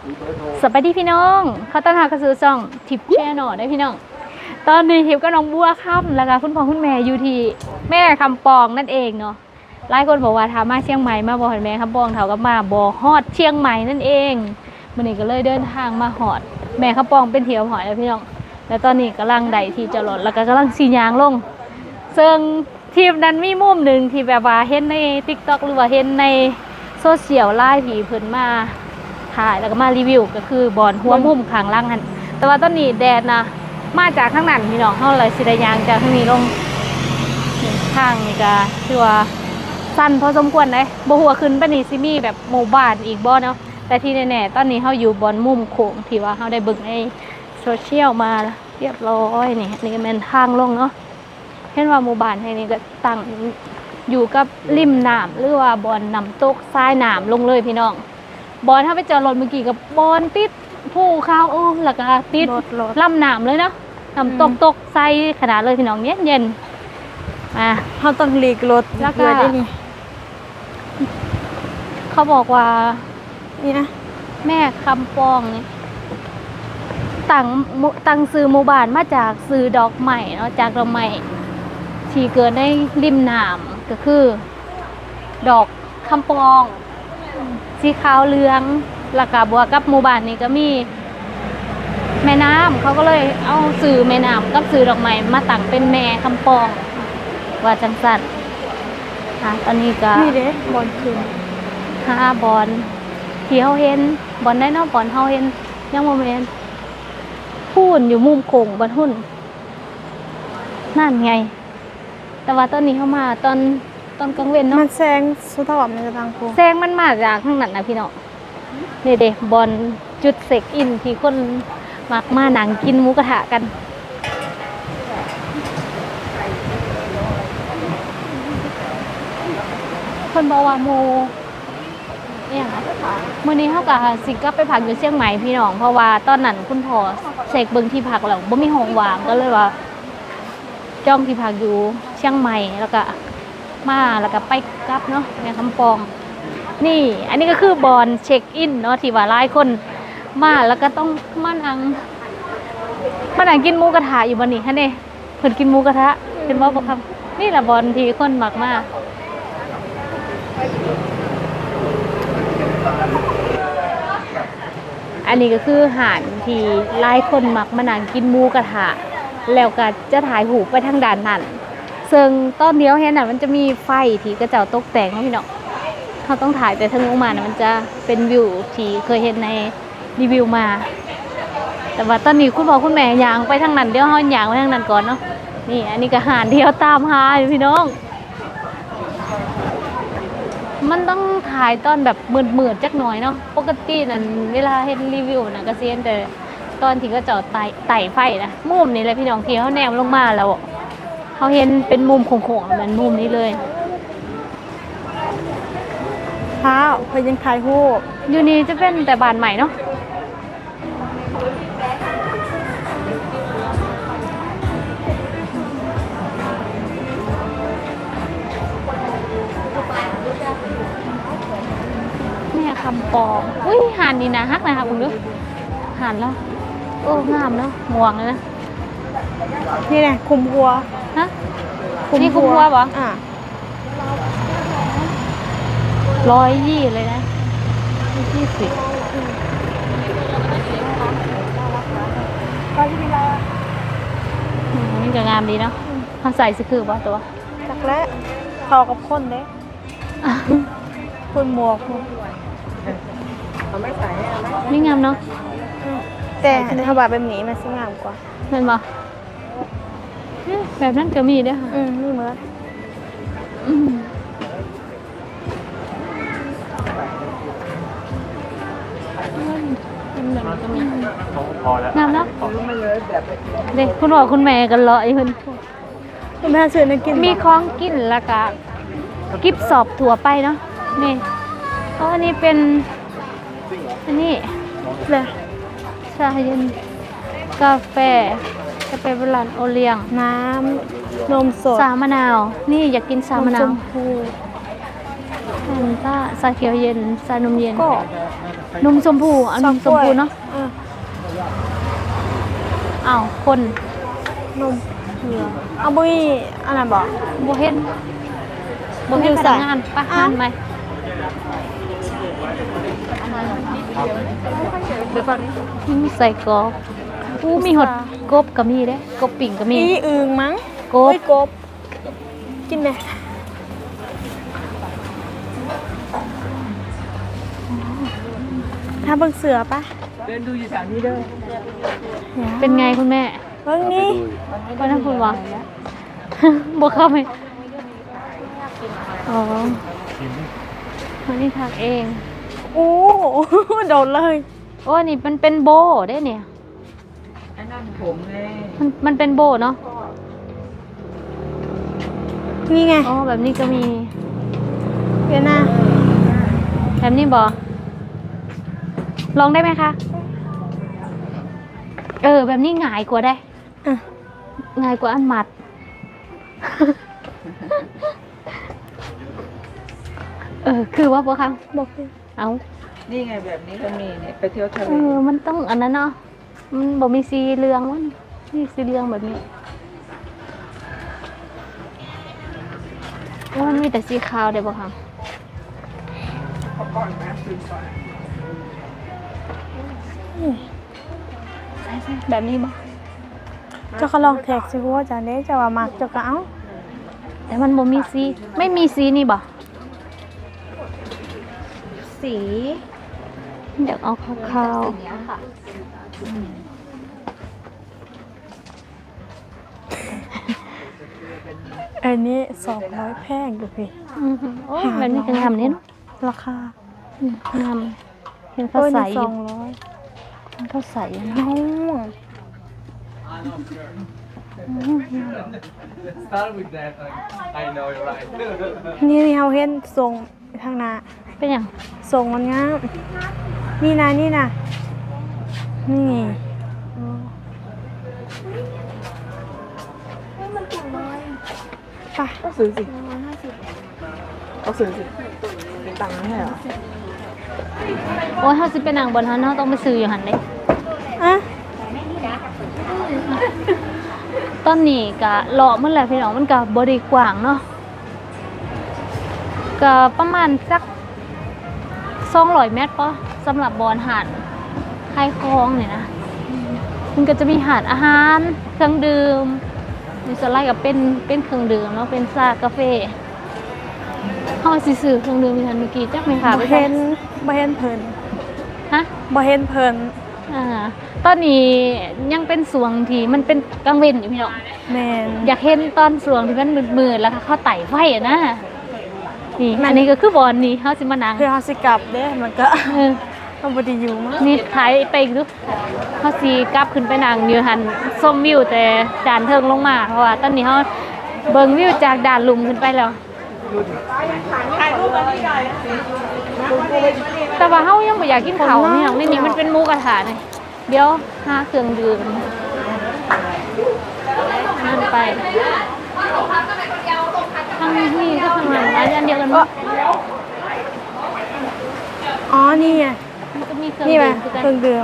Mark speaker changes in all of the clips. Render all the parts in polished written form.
Speaker 1: สวัสดีพี่น้องเขาต้อนรับกระสือซ่องทิปแช่หน่อได้พี่น้องตอนนี้ทิปก็น้องบัวค่ำแล้วก็คุณพ่อคุณแม่อยู่ที่แม่คำปองนั่นเองเนาะหลายคนบอกว่าถามมาเชียงใหม่มาบ่อแม่คำปองเท่ากับมาบ่อฮอดเชียงใหม่นั่นเองวันนี้ก็เลยเดินทางมาฮอดแม่คำปองเป็นเที่ยวหอยแล้วพี่น้องแล้วตอนนี้กำลังได้ที่จอดรถแล้วก็กำลังสียางลงซึ่งทีมนั้นมีมุมหนึ่งที่แบบว่าเห็นใน TikTok หรือว่าเห็นในโซเชียลไลฟ์ผีเพิ่นมาถ่ายแล้วก็มารีวิวก็คือบอนหัวมุมข้างล่างหันแต่ว่าตอนนี้แดดนะมาจากข้างนั้นพี่น้องเฮาเลยสิได้ยางจากทางนี้ลงทางนี่ก็คือว่าสั้นพอสมควรเลยบ่ฮู้ว่าขึ้นไปนี่สิมีแบบหมู่บ้านอีกบ่เนาะแต่ที่แน่ๆตอนนี้เฮาอยู่บอนมุมโค้งที่ว่าเฮาได้เบิ่งในโซเชียลมาเรียบร้อยนี่ก็แม่นทางลงเนาะเห็นว่าหมู่บ้านแห่งนี้ก็ตั้งอยู่กับริมน้ำหรือว่าบอนน้ำตกทรายน้ำลงเลยพี่น้องบอนถ้าไปจอดรถเมื่อกี้กับบอนติดภูเขาแล้วก็ติดลำน้ำเลยเนาะน้ำตกทรายขนาดเลยพี่น้องเย็น
Speaker 2: เขาต้องหลีกรถ
Speaker 1: แล้วก็เขาบอกว่า
Speaker 2: นี่นะ
Speaker 1: แม่คำปองนี่ตั้งซื้อหมู่บ้านมาจากซื้อดอกไม้เนาะจากดอกไม้ที่เกิดในริมน้ำก็คือดอกคำปองสีขาวเหลืองแล้วก็บวกกับหมู่บ้านนี้ก็มีแม่น้ำเขาก็เลยเอาสื่อแม่น้ำกับสื่อดอกไม้มาตั้งเป็นแม่คำปองว่าจังสันตอนนี้ก็
Speaker 2: นี่เด้บอลคืน
Speaker 1: บอลที่เขาเห็นบอลได้เนาะบอลเขาเห็นยังโมเมนต์พูนอยู่มุมโค้งบอลหุ่นนั่นไงแต่ว่าตอนนี้เขามาตอนกลางเว้นเนาะ
Speaker 2: มันแซงสุดท้ายมันจะทางโค้ง
Speaker 1: แซงมันมาจากข้างนั้นนะพี่น้องนี่เด็กบอลจุดเซ็กอินที่คนมักมาหนังกินหมูกระทะกันคนบอกว่าโมเนี่ยมื้อนี้เขาก็สิกลับไปพักอยู่เชียงใหม่พี่น้องเพราะว่าตอนนั้นคุณพ่อเสกเบิ่งที่พักแล้วบ่มีห้องว่างก็เลยว่าจองที่พักอยู่เชียงใหม่แล้วก็มาแล้วก็ไปกลับเนาะแม่คำปองนี่อันนี้ก็คือบอนเช็คอินเนาะที่ว่าหลายคนมาแล้วก็ต้องมานั่งกินหมูกระทะอยู่บ่นี่ฮะนี่เพิ่นกินหมูกระทะเป็นว่าบ่ครับนี่แหละบอนที่คนมักมาอันนี้ก็คืออาหารที่หลายคนมักมานั่งกินหมูกระทะแล้วก็จะถ่ายหูปไปทางด้านนั้นซึ่งตอนเดียวเห็นน่ะมันจะมีไฟที่กระเจ้าตกแต่งนะพี่น้องเขาต้องถ่ายแต่ทางลงมานะมันจะเป็นวิวที่เคยเห็นในรีวิวมาแต่ว่าตอนนี้คุณพ่อคุณแม่ย่างไปทางนั้นเดี๋ยวเฮาย่างไปทางนั้นก่อนเนาะนี่อันนี้ก็อาหารที่เขาตามหาอยู่พี่น้องมันต้องถ่ายตอนแบบมืดๆจักหน่อยเนาะปกตินั่นเวลาเห็นรีวิวนะก็เซียนแต่ตอนที่ก็จอดไต่ไฟนะมุมนี้เลยพี่น้องที่เขาแนมลงมาแล้วเขาเห็นเป็นมุมโค้งๆเหมือนมุมนี้เลย
Speaker 2: เท้าพยังถ่ายรูป
Speaker 1: อยู่นี่จะเป็นแต่บ้านใหม่เนาะแม่คำปองอุ้ยหานนี่นะฮักนะคะคุณดูหานแล้วโอ้งามเนาะม่วงเลยนะ
Speaker 2: นี่ไงคุมหัว
Speaker 1: ฮะนี่คุมหัวปะ120เลยนะ120นี่ก็งามดีเนาะเขาใส่สิคือป่ะตัว
Speaker 2: จักและทอกับคนเด้คนหมวก
Speaker 1: นี่งามเนาะ
Speaker 2: แต่ถ้าแบบแบบนี้มันสวยงามกว่า
Speaker 1: เห็นป่ะแบบนั้นก็มีด้วยค่ะ
Speaker 2: นี่เหมือน
Speaker 1: งามเนาะเด็กคุณพ่อคุณแม่กันเลาะอยู่
Speaker 2: คุณแม่ซื้อในกิน
Speaker 1: มีของกินแล้วก็กิฟสอบถั่วไปเนาะนี่เพราะอันนี้เป็นอันนี้
Speaker 2: เลย
Speaker 1: ชาเย็นกาแฟโบราณโอเลี้ยง
Speaker 2: น้ำนมสด
Speaker 1: สามะนาวนี่อยากกินสามะนาวนต้าชาเขียวเย็นชานมเย็น
Speaker 2: ก็
Speaker 1: นมชมพูเอานมชมพูเนาะ
Speaker 2: เออ
Speaker 1: อ้าวคน
Speaker 2: นมเผือกเอาบุ้ยอันนั้นบอก
Speaker 1: บ่เห็นบ่เห็น
Speaker 2: อยู่
Speaker 1: พ
Speaker 2: ใส่
Speaker 1: นักงานไปะงานไหมใส่กรอบอู้มีหดกบก็มีเด้กบปิ่งก็มี
Speaker 2: อีอึงมั้ง
Speaker 1: กบ
Speaker 2: เฮ้ยกบ กินไหมถ้าเบิ่งเสือปะ
Speaker 3: เดินดูอยู่แถวนี้เด้อ
Speaker 1: เป็นไงคุณแม่
Speaker 2: เบิ่งนี่
Speaker 1: ว่านั่นคุณวะ บ่เข้าไปอ๋อวันนี้ทักเอง
Speaker 2: โอ้ โดนเลย
Speaker 1: โอ้นี่มันเป็นโบได้เนี่ย
Speaker 3: อันนั้นผมเลย
Speaker 1: มันเป็นโบเนาะ
Speaker 2: นี่ไง
Speaker 1: อ๋อแบบนี้ก็มี
Speaker 2: เดี๋ยวนะ
Speaker 1: แบบนี้บอลองได้ไหมคะ แบบนี้ง่ายกว่าได้
Speaker 2: อ่ะ
Speaker 1: ง่ายกว่าอันหมัด คือว่าปะคะ
Speaker 2: บอกเลย
Speaker 1: เอา
Speaker 3: นี่ไงแบบนี้ก็มีเนี่ยไปเที่ยวทะเล
Speaker 1: มันต้องอันนั้นเนาะ มันบอกมีสีเหลืองวะนี่สีเหลืองแบบนี้แล้วมันมีแต่สีขาวเดี๋ยวปะคะใช่แบบนี้บอ
Speaker 2: เจ้าก็ลองแท็กสิว่าจะได้จะว่ามักเจ้าก็เอา
Speaker 1: แต่มันบ่มีสีไม่มีสีนี่บ่
Speaker 2: สี
Speaker 1: เดี๋ยวเอาขาว
Speaker 2: อันนี้200แพงอยู่พี่
Speaker 1: ๆโอ้ยแบบนี้ก็งามนี่เนาะ
Speaker 2: ราคาง
Speaker 1: ามเห็นเขา
Speaker 2: โอ้ย
Speaker 1: ใส่
Speaker 2: นี่
Speaker 1: อยู่
Speaker 2: 200
Speaker 1: เห็นเขาใส่อยู่นะ
Speaker 2: น้อง
Speaker 4: Start with that. I know you're right.
Speaker 2: นี่เฮาเห็นทรงทางหน้า
Speaker 1: เป็นอย่าง
Speaker 2: ทรงมันงามนี่นะนี่นะนี่ไป
Speaker 3: ก็ซื้อสิเอาซื้อสิเป็นตังค์ไม่ใช่เหรอ
Speaker 1: โอ้ยเขาสิเป็นนางบนเขาเนาะต้องไปซื้ออยู่หันเลย
Speaker 2: อ่ะ
Speaker 1: ตอนนี้ก็เลาะมันแหละพี่น้องมันก็บริกว้างเนาะก็ประมาณสัก200 เมตรปะสำหรับบอนหาดคลายคลองเนี่ยนะมันก็จะมีหาดอาหารเครื่องดื่มมีสไลด์กับเป็นเครื่องดื่มแล้วเป็นซากาแฟเฮาสิซื้อเครื่องดื่มมีทันเมื่อกี้จักไหมคะ
Speaker 2: บ่เห็นบ่เห็นเพิ่น
Speaker 1: ฮะ
Speaker 2: บ่เห็นเพิ่น
Speaker 1: ตอนนี้ยังเป็นสวงที่มันเป็นกลางเว้นอยู่พี่น้อง
Speaker 2: แม่น
Speaker 1: อยากเห็นตอนสวงที่มันมืดๆแล้วก็เข้าไต่ไฟอะนะนี่อันนี้ก็คือบอลนี่เฮาสิมานั่ง
Speaker 2: คือเฮาสิกลับเด้มันก็
Speaker 1: เออ
Speaker 2: มันบ่ได้อยู่มั้ง
Speaker 1: นี่ถ่ายไปอีกดูเฮาสิกลับขึ้นไปนั่งอยู่หันชมวิวแต่ด่านเทิงลงมาเพราะว่าตอนนี้เฮาเบิ่งวิวจากด่านลุมขึ้นไปแล้วแต่ว่าเฮายังบ่อยากกินข้าวนี่น้องนี่มันเป็นหมูกระทะนี่เดี๋ยวหาเครื่องดื่มนั่นไปทางนี้ก็ทางนั้นอันเดียวกันมั้ย
Speaker 2: อ๋อนี่ไง
Speaker 1: มันก็มีเครื่อง
Speaker 2: นี่
Speaker 1: ดื่
Speaker 2: ป่ะ
Speaker 1: มคือ
Speaker 2: เครื่องดื่ม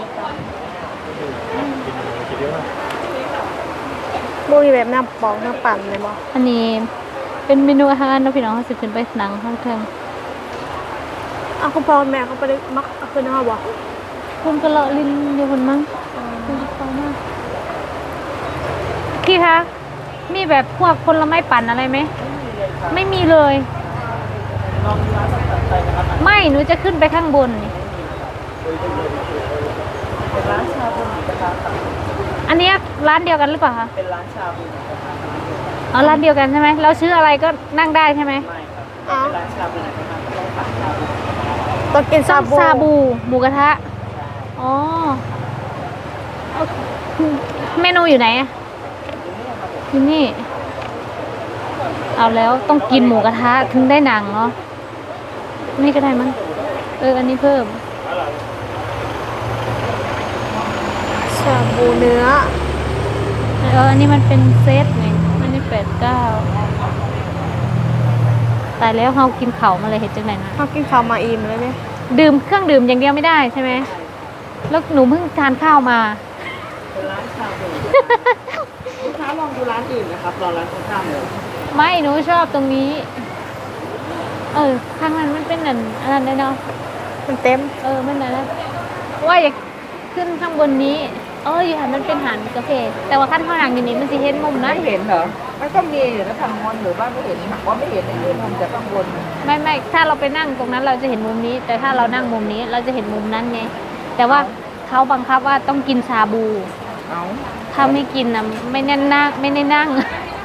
Speaker 2: บ่มีแบบน้ำปองน้ำปั่นเลยบ่
Speaker 1: อันนี้เป็นเมนูอาหารเนาะพี่น้องเขาสิขึ้นไปหนังข้างเทิง
Speaker 2: อ้าวคุณพ่อแม่เขาบ่ได้มักเอาขึ้นเฮาบ่
Speaker 1: คุณก็เลาะลิ้นเดียวกันมั้งคุณจะฟังมากพี่คะมีแบบพวกผลไม้ปั่นอะไรไหมไม่มีเลย ไม่หนูจะขึ้นไปข้างบนนี่
Speaker 3: เป็นร้านชาบูหมูกระทะค่ะ
Speaker 1: อันเนี้ยร้านเดียวกันหรือเปล่าคะ
Speaker 3: เป็นร้านชาบูหมูกระทะค่ะ
Speaker 1: อ๋อร้านเดียวกันใช่ไหมเราชื่ออะไรก็นั่งได้ใช่ไหม
Speaker 3: ไม่ครับ
Speaker 2: อ๋อ
Speaker 3: เป็นร้านชาบูหมูกระทะต้องสั่งชาบู
Speaker 2: ต้องกิน
Speaker 1: ซา
Speaker 2: ซาบู
Speaker 1: บูหมูกระทะอ๋อเมนูอยู่ไหนอะอยู่นี่เอาแล้วต้องกินหมูกระทะถึงได้หนังเนาะนี่ก็ได้มั้งอันนี้เพิ่ม
Speaker 2: ชาบูเนื้อ
Speaker 1: อันนี้มันเป็นเซตไงอันนี้89 ตายแล้วเฮากินข้าวมาเลยเฮ็ดจังได๋นะ
Speaker 2: เขากินข้าวมาอิ่มเลยเนี่ย
Speaker 1: ดื่มเครื่องดื่มอย่างเดียวไม่ได้ใช่ไหมแล้วหนูเพิ่งทานข้าวมา
Speaker 3: ลูกค้าลองดูร้านอื่นนะครับรอร้านตรงข้ามเลย
Speaker 1: ไม่หนูชอบตรงนี้ ข้างนั้นมันเป็นอันนั้นได้เนาะ
Speaker 2: มันเต็ม
Speaker 1: มันอะไรนะว่าอยากขึ้นข้างบนนี้อยู่หันมันเป็นหันกาแฟแต่ว่าขั้นข้างหลังอยู่นี้มันสิเห็นมุมนั้น
Speaker 3: ไม่เห็นเหรอมันก็มีอยู่นะทางมอนหรือว่าไม่เห็นหักว่าไม่เห็นในมุมจากข้างบน
Speaker 1: ไม่ถ้าเราไปนั่งตรงนั้นเราจะเห็นมุมนี้ แต่ถ้าเรานั่งมุมนี้เราจะเห็นมุมนั้นไงแต่ว่าเขาบังคับว่าต้องกินชาบู
Speaker 3: เอา
Speaker 1: ถ้าไม่กินนะไม่แน่นนั่งไม่ได้นั่ง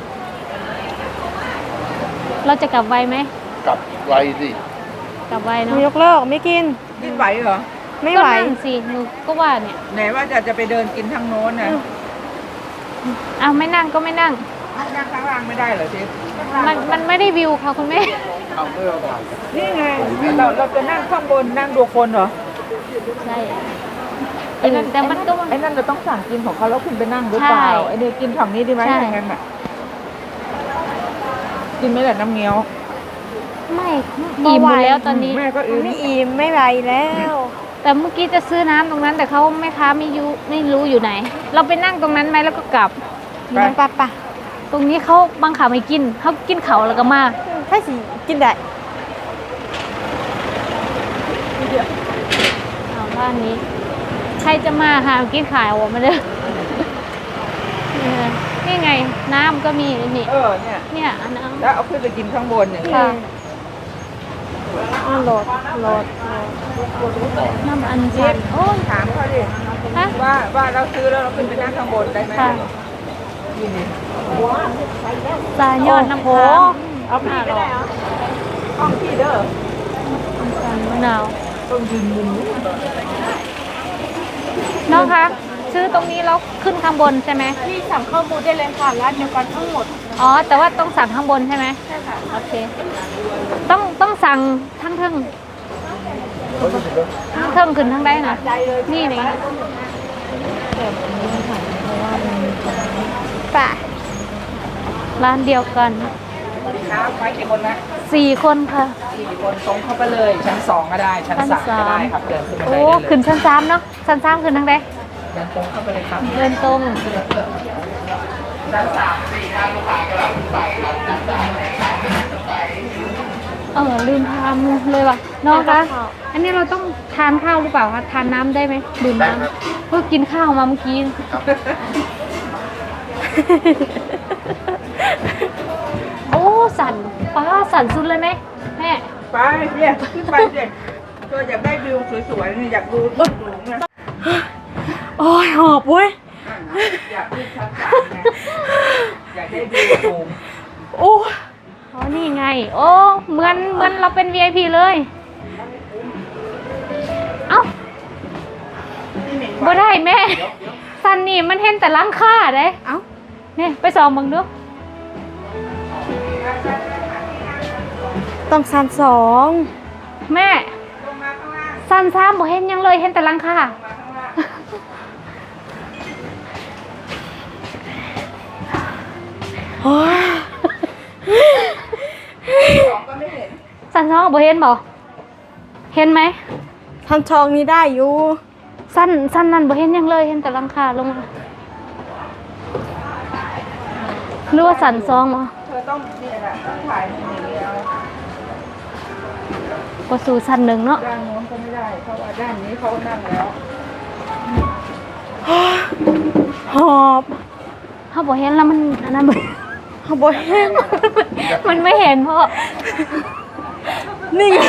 Speaker 1: เราจะกลับไวไหม
Speaker 5: กลับไวสิ
Speaker 1: กลับไวเนาะ
Speaker 2: ยกเลิกไม่กิน
Speaker 3: กินไหวเหรอ
Speaker 2: ไม่ไหว
Speaker 1: ก็นั่งสิหนูก็ว่าเนี่ย
Speaker 3: ไหนว่าจะไปเดินกินทางโน้นนะ
Speaker 1: ไม่นั่งก็ไม่นั่ง
Speaker 3: นั่งข้างล่างไม่ได้เหรอเชฟ
Speaker 1: มันไม่ได้วิวค่ะคุณแม่
Speaker 5: เอาไม่เอาผ่าน
Speaker 3: นี่ไงเราจะนั่งข้างบนนั่งดูคนเหรอ
Speaker 1: ใช่แต่มันก็
Speaker 3: ไอ้นั่นเราต้องสั่งกินของเขาแล้วคุณไปนั่งหรือเปล่า
Speaker 1: ใช่
Speaker 3: ไอ้เนี่ยกินฝั่งนี้ดีไหม
Speaker 1: ใช่
Speaker 3: อย่างนั้นอ่ะกินไม่ได้น้ำเงี้ยว
Speaker 1: ไม่อิ่มหมดแล้วตอนนี้
Speaker 3: แม่ก็อิ่ม
Speaker 2: ไม่อิ่มไม่ไหวแล้ว
Speaker 1: แต่เมื่อกี้จะซื้อน้ำตรงนั้น แต่เขาแม่ค้าไม่รู้อยู่ไหน เราไปนั่งตรงนั้นไหมแล้วก็กลับ
Speaker 2: มันปะปะ
Speaker 1: ตรงนี้เขาบังคับให้กินเขากินเขาแล้วก็มา
Speaker 2: ถ้าสิกินได้
Speaker 1: เอาบ้านนี้ ใครจะมาหากินขายออกมาเลย นี่ไง น้ำก็มีนี่ เนี่ยอันน้ำ
Speaker 3: แล้วเอาขึ้นไปกินข้างบนอย่างนี้
Speaker 1: ค่ะ
Speaker 2: โหลด
Speaker 1: น้ำอันชันโอ้ย
Speaker 3: ถามเขาดิ
Speaker 1: ฮะ
Speaker 3: ว่าเราซื้อแล้วเราขึ้นไปนั่งข้างบนได้ไหม
Speaker 1: ค่ะ
Speaker 3: นี่นี่
Speaker 1: สายยอดน้ำ
Speaker 2: โห
Speaker 1: ค้าง
Speaker 3: เอาพี่ก็ได้เหรอห้องพี่เด้อ
Speaker 1: สันมะนาว
Speaker 3: ต้องยืนมุมนี้
Speaker 1: น้องคะซื้อตรงนี้แล้วขึ้นข้างบนใช่ไหม
Speaker 2: พี่สั่งข้าวบูได้เลยค่ะร้านเดียวกันทั้งหมด
Speaker 1: อ๋อ แต่ว่าต้องสั่งข้างบนใช่ไหมใช่ค่ะ โอเค ต้องสั่งทั้งเทิงทั้งเทิงขึ้นทั้งได้นะนี่นี่
Speaker 2: ป่ะ
Speaker 1: ร้านเดียวกัน
Speaker 3: น้ำไปกี่คนนะ
Speaker 1: 4 คนค่ะ
Speaker 3: 4 คนตรงเข้าไปเลย ชั้น 2 ก็ได้ ชั้น 3 ก็ได้ครับ เดินขึ้นไป
Speaker 1: โอ้
Speaker 3: ได้เลย
Speaker 1: ขึ้นชั้น3เนาะชั้น3ขึ้นทั้งได้
Speaker 3: เดินตรงเข้าไปเลยครับ
Speaker 1: เดินตรง
Speaker 3: ชั้น 3
Speaker 1: ลืมทานเลยว่ะน้องคะ อันนี้เราต้องทานข้าวหรือเปล่าคะ ทานน้ำได้ไหมดื่มน้ำเพิ่งกินข้าวมาเมื่อกี้ โอ้สั่นป้าสั่นสุดเลยไหมแม่
Speaker 3: ไปเนี่ยขึ้นไปเด็กตัวอยากได้วิวสวยๆเนี่ยอยากดูตึกสูงนะ
Speaker 2: โอ้ยหอบเว้ย
Speaker 3: อยากขึ้นชั้น 3นะอยากได้วิวสูง
Speaker 2: โอ้ย
Speaker 1: อ๋อนี่ไง โอ้เหมือนเราเป็น VIP เลย เอ้าบ่ได้แม่ สันนี่มันเห็นแต่หลังคาเด้
Speaker 2: เอ้า
Speaker 1: เนี่ยไปส่องเบิ่งดู
Speaker 2: ต้องสั่นสอง
Speaker 1: แม่สันซ้ำบ่เห็นหยังเลยเห็นแต่หลังคา
Speaker 2: โอ้ย
Speaker 1: สันซ้ำบ่เห็นบ่เห็นไหม
Speaker 2: ทันทองนี้ได้อยู่
Speaker 1: สันนั่นบ่เห็นหยังเลยเห็นแต่หลังคาลงมาหรือว่าสันซองเหรอ
Speaker 3: เธอต้องเนี่ยแหละต้องถ่ายอย่างนี้เอา
Speaker 1: ก็สู่สันหนึ่งเนาะ
Speaker 3: ด้านโน้นก็ไม่ได้ เพราะว่าด้านนี้เขานั่งแล้ว
Speaker 2: หอบ
Speaker 1: เขาบ่เห็นแล้วมันอันนั้นบ่
Speaker 2: หอบแห้ง
Speaker 1: มันไม่เห็นเพราะ
Speaker 2: นี่ไง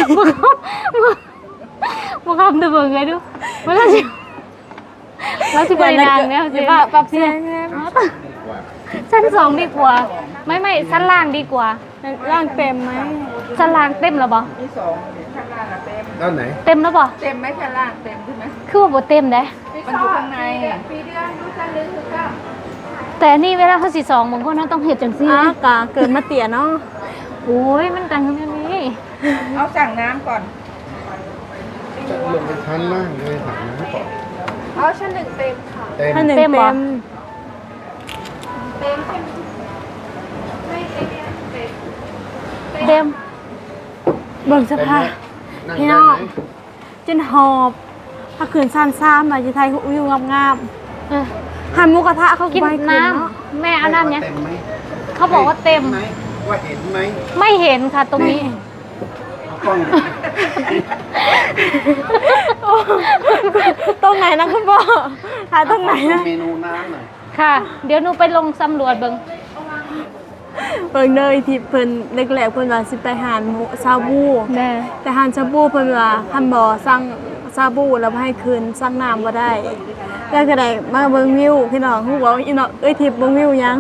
Speaker 1: บุคำตัวเบิ่งไงดูมันเราสิบรินางแล้วสิ
Speaker 2: ปรับเสียง
Speaker 1: ชั้น2ดีกว่า ไม่ชั้นล่างดีกว่า
Speaker 2: ร่างเต็มไหม
Speaker 1: ชั้นล่างเต็มแล้วบ่
Speaker 3: มี2ข้างล่างอะเต็ม
Speaker 5: ด้านไหน
Speaker 1: เต็มแล้วบ่
Speaker 3: เต็มไหมชั้นล่างเต็มใช่ไหม
Speaker 1: คือว่าบ่เต็มเด้
Speaker 3: มันอยู่ข้างใน
Speaker 1: แต่อันนี่เวลาเขาสิ2บางคนเขาต้องเฮ็ดจังซี่
Speaker 2: กะเกิดมาเตี่ยเนาะ
Speaker 1: โอ้ยมันกันอย่างนี้
Speaker 3: เอาสั่งน้ำก่อน
Speaker 5: จะลงไปชั้นล่างเลยถามนะก่อน
Speaker 3: เอาชั้น 1 เต็มค่ะ
Speaker 5: เต็ม
Speaker 2: ถ้าหนึ่ง
Speaker 1: เต็มเหร
Speaker 2: เต็
Speaker 1: อ
Speaker 2: ม
Speaker 1: เต็ม
Speaker 2: เบิ่งสภาพ
Speaker 5: นั่ง
Speaker 2: พี่
Speaker 5: ได้
Speaker 2: น้อง
Speaker 5: ไหม
Speaker 2: จนหอบถ้าขืนซานซ้ำมาจะไทยวิวงาม
Speaker 1: เออ
Speaker 2: ๆหันหมูกระทะเขา
Speaker 1: กิน
Speaker 2: ไป
Speaker 1: น้
Speaker 2: เนาะ
Speaker 1: ำแม่เอาน้ำเนี่ย
Speaker 5: เต็มไหม
Speaker 1: เขาบอกว่าเต็ม
Speaker 5: ห็นไหว่าเห็นไหม
Speaker 1: ไม่เห็นค่ะตรงนี้
Speaker 5: เอากล้อง
Speaker 2: ตรงไหนนะคุณพ่อหาตรงไหนนะ
Speaker 5: เมนูน้ำหน่อย
Speaker 1: ค่ะ เดี๋ยวหนูไปลงสำรวจเบิ่ง
Speaker 2: เบิ่งเลยที่เพิ่นแรกๆเพิ่นว่าสิไปหาหมูซาบู
Speaker 1: แน่
Speaker 2: แต่หานซาบูเพิ่นว่าคันบ่สั่งซาบูแล้วบ่ให้คืนสั่งน้ำบ่ได้แล้วก็ได้มาเบิ่งวิวพี่น้องฮู้ว่าอีเนาะทิพย์เบิ่งวิวยัง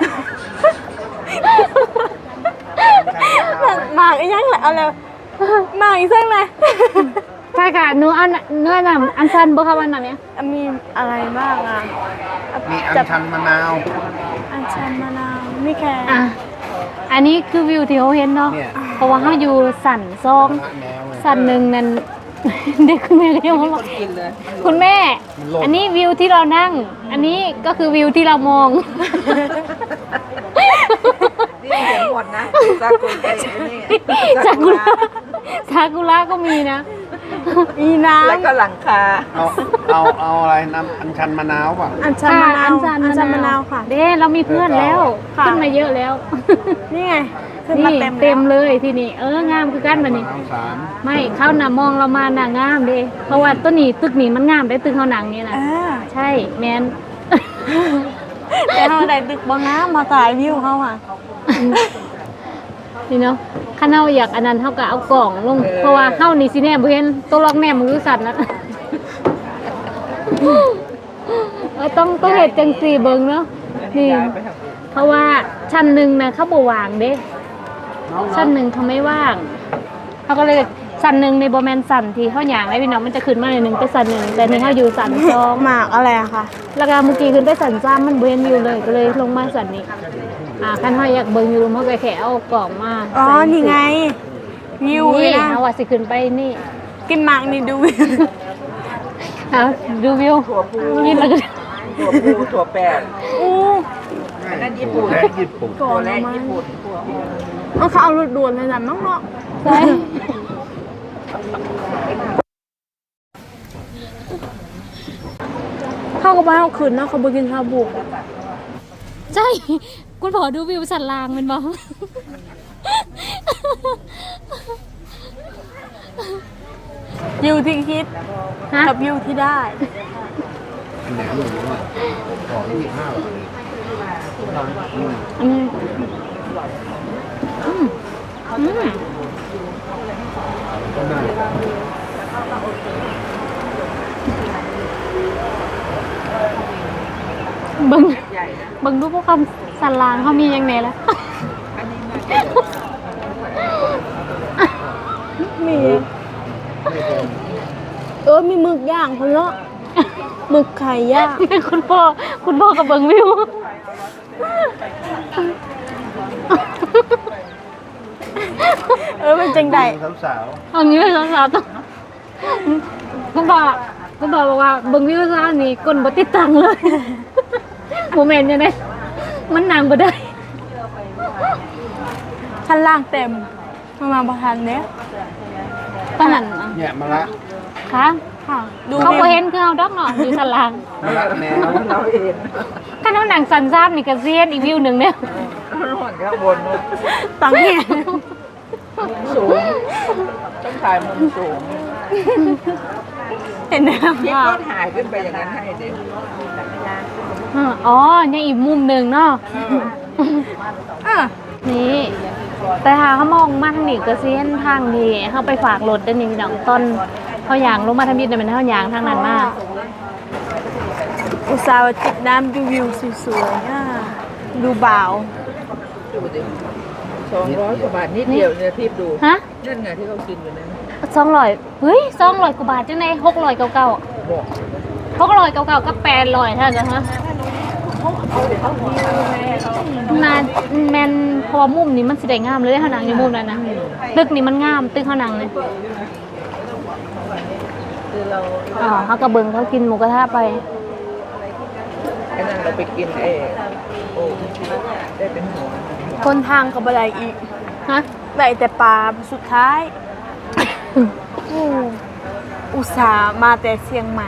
Speaker 2: มากอีหยังแหละเอาแล้วมากอีกซังเลย
Speaker 1: ใช่ค่ะหนูเอาเนื้อน้ำอันชันบ่ค่ะวันนั้นเนี่ย
Speaker 2: มีอะไรบ้างอ่ะ
Speaker 5: มีอัญชันมะนาว
Speaker 2: อัญชันมะนาวมีแค่
Speaker 1: อ่ะอันนี้คือวิวที่เขาเห็นเนาะ
Speaker 5: เนี่ย
Speaker 1: เพราะว่าเขาอยู่สันซอง
Speaker 5: ละแนวเลย
Speaker 1: สันหนึ่งนั่น เด็กคุณแม่ก็ยังบอกคุณแม่
Speaker 5: มันโลด
Speaker 1: อันนี้วิวที่เรานั่ง อันนี้ก็คือวิวที่เรามอง
Speaker 3: นี่เห็นหมดนะซากุระนี่
Speaker 1: ซากุระซากุระก็มีนะ
Speaker 2: อีน้
Speaker 3: แล้วก็หลังคา
Speaker 5: เอาอะไรน้ำอัญชันมะนาวป่ะ
Speaker 2: ำอัญชันมะนาว
Speaker 1: ค่ะ
Speaker 2: อัญชันมะนาวค่ะ
Speaker 1: เด้เรามีเพื่อนแล้ว
Speaker 2: ค่ะ
Speaker 1: ขึ้นมาเยอะแล้ว
Speaker 2: นี่ไงขึ้นมา
Speaker 1: นี่
Speaker 2: เต็ม
Speaker 1: เต็ม
Speaker 2: แล้ว
Speaker 1: เลยที่นี่งามคือกันบัดนี้
Speaker 5: มะนาว3
Speaker 1: ไม่เข้าหน้ามองเรามาหน้างามเด้เพราะว่าต้นนี้ตึกนี้มันงามได้ตึกเขาหนังนี่นะ ใช่แมน
Speaker 2: แต่เฮาได้ตึกบ่งามมาถ่ายวิวเฮาอ่ะ
Speaker 1: นี่เนาะข้าเฮาอยากอันนั้นเฮาก็เอากล่องลงเพราะว่าเฮานี่สิแน่บ่เห็นตัวล็อกแน่มือสั่นนะ ต้องเฮ็ดจังซี่เบิ่งเนาะนี่เพราะว่าชั้นหนึงน่ะเขาบ่ว่างเด้ชั้นหนึงเขาไม่ว่างเขาก็เลยชั้นหนึงในบ่แม่นชั้นที่เฮาหยังได้พี่น้องมันจะขึ้นมาหน่อยหนึงไปชั้นหนึงแต่นี่เฮาอยู่ชั้นสอง
Speaker 2: หมากอะไรอะคะ
Speaker 1: แล้วก็เมื่อกี้ขึ้นไปชั้น3มันบ่เห็นวิวเลยก็เลยลงมาชั้นนี้คันเฮาอยากเบิ่งอยู่เฮาก็แค่เอากล่องมา
Speaker 2: อ๋อ
Speaker 1: ใส่
Speaker 2: นี่ไง วิว
Speaker 1: นี่
Speaker 2: นะ
Speaker 1: เอาว่าสิขึ้นไปนี่
Speaker 2: กินหมากนี่ดูวิว
Speaker 1: เอาดูวิวยินแล้วก็
Speaker 3: ถั่วพูถั่วแปด
Speaker 2: อู้
Speaker 3: อันนั้นญี่ปุ่น
Speaker 5: และญี่ปุ่น
Speaker 3: ถั่วแรกญี่ปุ่น
Speaker 2: เอาเขาเอารถด่วนเลยนะน้องเนาะ
Speaker 1: ใช่
Speaker 2: เข้ากับบ้านเอาขืนเนาะเขาบ่กินชาบู
Speaker 1: ใช่คุณพอดูวิวสันลางเป็นบ้าง
Speaker 2: วิวที่คิด
Speaker 1: ฮะ
Speaker 2: กับวิวที่ได้
Speaker 5: แหนมหมูอ่ะขอ25 บาท
Speaker 1: อืมอืมอืม
Speaker 5: ก็น่า
Speaker 1: เบิ่งรูปพวกคำสันลางเขามียังไงแล้ว
Speaker 2: มีมีหมึกย่างคนละหมึกไข่ย่าง
Speaker 1: คุณพ่อกับเบิ่งวิว
Speaker 2: เป็นจังใด
Speaker 5: สาว
Speaker 1: เอางี้เลยสาวๆต้องคุณพ่อบอกว่าเบิ่งวิวซะนี่กลบ่ติดตังเลย โมเมนต์ยังไงมันนางบ่ได้
Speaker 2: ชั้นล่างเต็มมาประทานเนี้ย
Speaker 1: ปานนั้น
Speaker 5: ๆเนี่ยมะละ
Speaker 1: ค่ะ
Speaker 2: ค่ะ ดู
Speaker 1: เขาบ่เห็นคือเฮาดอกเนาะอยู่สันลาง
Speaker 5: มะละแนว
Speaker 3: เราเห็น
Speaker 1: คันเฮาหนังสันซ้ำนี่ก็เซียนอีกวิวหนึงเนี่ย
Speaker 3: ร้อนข้างบนนู่น
Speaker 2: ตังเนี่ย
Speaker 3: สูงต้องถ่ายมุมสูง
Speaker 2: เห็นไหม
Speaker 3: ที่
Speaker 2: คะ
Speaker 3: ก็ถ่ายขึ้นไปอย่างนั้นให้เด็ก
Speaker 1: อ๋อยังอีกมุมหนึงเนาะ
Speaker 2: อ่ะ
Speaker 1: นี่แต่ถ้าเขามองมาทางนี้ก็สิเห็นทางนี้เขาไปฝากรถได้นี่พี่น้องต้นเขายางลงมาทางนี้เนี่ยมันเขายางทางนั้นมาก
Speaker 2: อุตส่าห์จิบน้ำดูวิวสวยๆอ่ะดูบ่าว
Speaker 3: ดูดิ200 กว่าบาทนิดเดียวเนี่ยทิพย์ดู
Speaker 1: ฮะ
Speaker 3: นั่นไงที่เขากินอยู่นั่น
Speaker 1: 200เฮ้ย200กว่าบาทจังได๋600เก่า
Speaker 3: บอก
Speaker 1: ๆ600เก่าๆก็800เท่านั้นฮะน่าแม่นเพอมุมนี้มันสิได้งามเลยเฮานั่งอยู่มุมนั้นนะตึกนี้มันงามตึกเฮานั่งนี่
Speaker 3: คือเรา
Speaker 1: อ๋อเฮาก็เบิ่งเขากินหมูกระทะไป
Speaker 3: ไอ้นั่นเราไปกินโอ้ได้เป็นหัว
Speaker 2: คนทางกับอะไรอีก
Speaker 1: ฮะ
Speaker 2: ได้แต่ปลาสุดท้ายอุตส่าห์มาแต่เชียงใหม่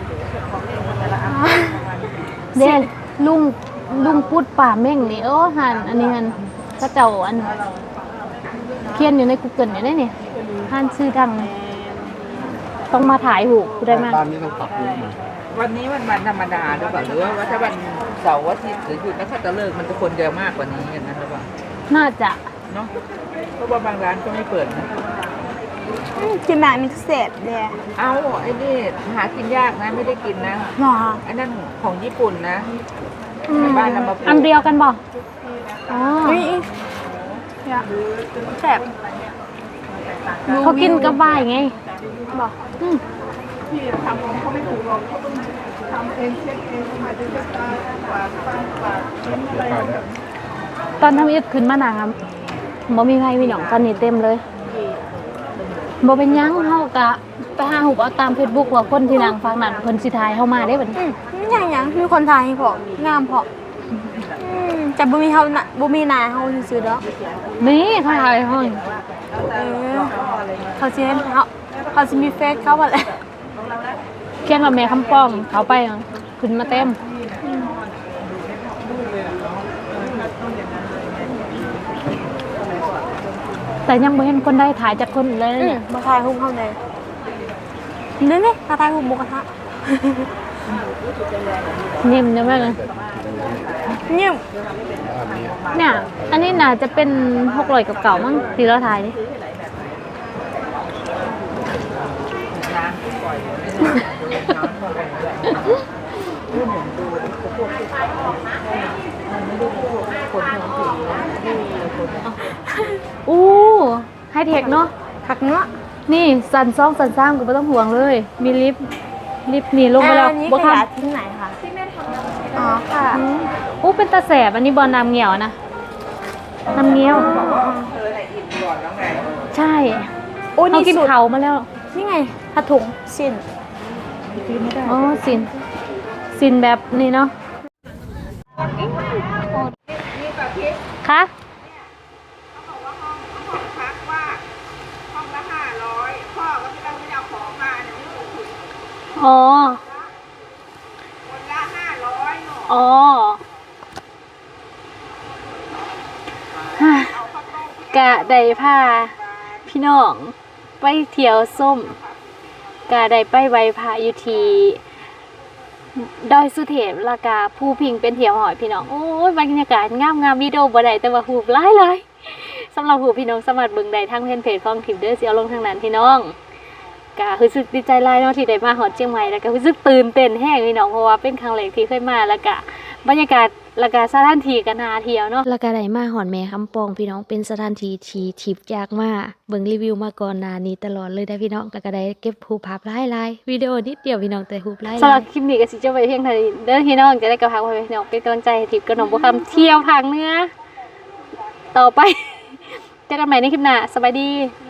Speaker 1: เด่นลุงพูดป่าเม่งนี่หันอันนี้หันก็เจ้าอันเขียนอยู่ใน Google อยู่ได้นี่หันชื่อดังต้องมาถ่ายหูกูได้มาก
Speaker 5: บ้านนี้ต้องปรับปรุงใหม่
Speaker 3: วันนี้วันธรรมดาหรือเปล่าหรือว่าถ้าวันเสาร์อาทิตย์หรือหยุดนักขัตฤกษ์มันจะคนเยอะมากกว่านี้กันนะหรือเปล่า
Speaker 1: น่าจะ
Speaker 3: เนาะเพราะว่าบางร้านก็ไม่เปิดนะ
Speaker 2: กินแบบนี้เสร็จเลย
Speaker 3: เอาไอ้นี่หากินยากนะไม่ได้กินนะ
Speaker 2: หรอ
Speaker 3: ไอ้นั่นของญี่ปุ่นนะในบ้านเรามาปลูก
Speaker 1: อันเดียวกันบ่อ๋อ
Speaker 2: นี่แซ่บ
Speaker 1: เขากินกับบ่ายไง
Speaker 2: บอก
Speaker 1: อืมตอนทำอิฐขึ้นมาหนังอ่ะบ่มีใครมีหนองตอนนี้เต็มเลยบ่เป็นหยังเฮากะไปหาหูเอาตาม Facebook ว่าคนที่นางฟังนั่นเพิ่นสิทายเฮามาได้บัดนี้
Speaker 2: นี่อย่างมีคนไทยพองามพอแต่บ่มีเฮาน่ะบ่มีนายเฮาซื่อๆดอก
Speaker 1: นี่เขาทายเฮา
Speaker 2: เขาสิเห็นเขาสิมีเฟซเขาบ่แหละ
Speaker 1: เขียนว่าแม่คำป้องเขาไปขึ้นมาเต็มแต่ยังบ่เห็นคนได้ถ่ายจากคนเลยนะเนี่ย
Speaker 2: มาถ่ายรูปเฮาเลยนี่มาถ่ายรูปหมูกระทะ
Speaker 1: นิ่มใช่ไหมเลย
Speaker 2: นิ่ม
Speaker 1: เนี่ย อันนี้น่าจะเป็น600กับเก่ามั้งที่เราถ่ายดิ
Speaker 3: น้ำที่ปล่อยน้ำลงไปด้วยรูปหมุนดูพวกมันไม่ได้พวกคนท้องถิ่นที่คน
Speaker 1: อู้ไฮเทคเนาะ
Speaker 2: ผักเนาะ
Speaker 1: นี่สันซ่องสันสร้างก็ไม่ต้องห่วงเลย มีลิฟต์นี่ลงไปแล้ว
Speaker 2: อันนี้
Speaker 1: บ่
Speaker 2: ข
Speaker 1: ค่ะ
Speaker 2: ยะทิ้งไหนคะอ๋อค่ะ
Speaker 1: อู้เป็นตาแสบอันนี้บอลน้ำเงี้ยวนะน้ำเงี้ยว
Speaker 3: ก่อนแล้วไง
Speaker 1: ใช่
Speaker 2: โอ้
Speaker 1: เขา
Speaker 2: นี่
Speaker 1: กิน
Speaker 2: สุด
Speaker 1: เขามาแล้ว
Speaker 2: นี่ไงผ้าถุงสิ้น
Speaker 1: อ๋อสินแบบนี้เนาะคะอ๋ออ๋อฮ่ากะได้พาพี่น้องไปเที่ยวส้มกะได้ไปไหว้พระอยู่ที่ดอยสุเทพแล้วก็ภูพิงเป็นเที่ยวหอยพี่น้องโอ้ยบรรยากาศงามวิดีโอบ่ได้แต่ว่าหูบหลายสำหรับหูพี่น้องสามารถเบิ่งได้ทางเพจของทิปเด้อสิเอาลงทางนั้นพี่น้องก็รู้สึกดีใจหลายเนาะที่ได้มาฮอดเชียงใหม่แล้วก็รู้สึกตื่นเต้นแฮงพี่น้องเพราะว่าเป็นครั้งแรกที่เคยมาแล้วก็บรรยากาศแล้วก็สถานที่ก็น่าเที่ยวเนาะแล้วก็ได้มาฮอดแม่คำปองพี่น้องเป็นสถานที่ที่ทิปอยากมาเบิ่งรีวิวมาก่อนหน้านี้ตลอดเลยได้พี่น้องแล้วก็ได้เก็บรูปภาพหลายๆวิดีโอนิดเดียวพี่น้องแต่รูปหลายๆสำหรับคลิปนี้ก็สิจบไปเพียงเท่านี้เด้อพี่น้องจะได้กับพาพี่น้องเป็นกำลังใจให้ทิปกับน้องบ่คำเที่ยวภาคเหนือต่อไป เจอกันใหม่ในคลิปหน้าสบายดี